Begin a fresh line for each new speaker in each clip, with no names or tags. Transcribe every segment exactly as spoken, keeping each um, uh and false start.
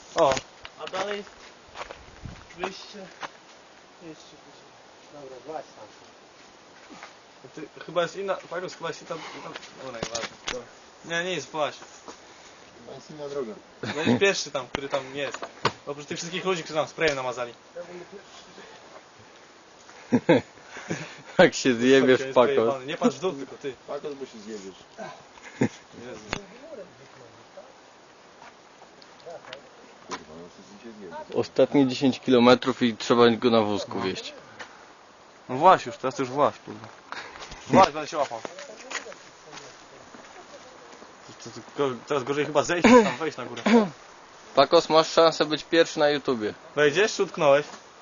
O!
A dalej wyjście jeszcze wyżej.
Dobra, właź tam.
Ty, chyba jest inna... Pagus, chyba jest inna... inna... Dobra, nieważne. Nie, nie jest właśnie.
To jest inna droga.
Będziesz pierwszy tam, który tam jest. Oprócz tych wszystkich ludzi, którzy tam sprayem namazali.
Jak się zjebiesz,
Chodź, on jest
Pakos.
pojebany. Nie patrz w dół, tylko ty.
Pakos, bo się zjebiesz.
Jezu.
Kurwa, no to się zjebiesz.
Ostatnie dziesięć kilometrów i trzeba go na wózku wieźć.
No właśnie już, teraz to już właśnie, kurwa. Właśnie, będę się łapał. To, to, to, teraz gorzej chyba zejść, niż tam wejść na górę.
Pakos, masz szansę być pierwszy na YouTubie.
Wejdziesz czy utknąłeś?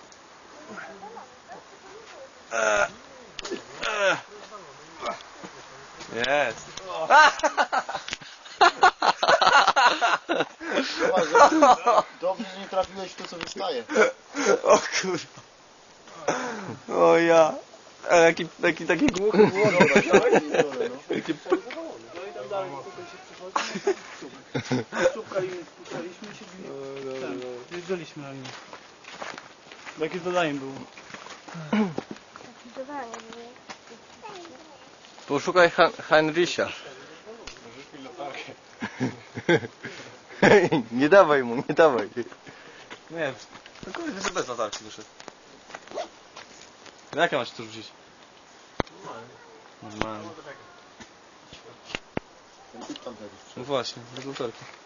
Eee. Eee. Jest.
Dobrze, że nie trafiłeś w to, co wystaje.
O kurwa. O ja. A jaki, taki, taki głuchy było. Jakie...
No i tam dalej tutaj się przychodzi. Szukali, spuszczaliśmy i się ten, jeżdżaliśmy na nim. Jakie zadanie było?
Poszukaj Han Heinricha. Nie dawaj mu, nie dawaj.
Nie, no kurde, że bez latarki wyszedł. No jak ja masz to rzucić? Normalnie.
Ten typ tam jakiś
No właśnie, bez latarki.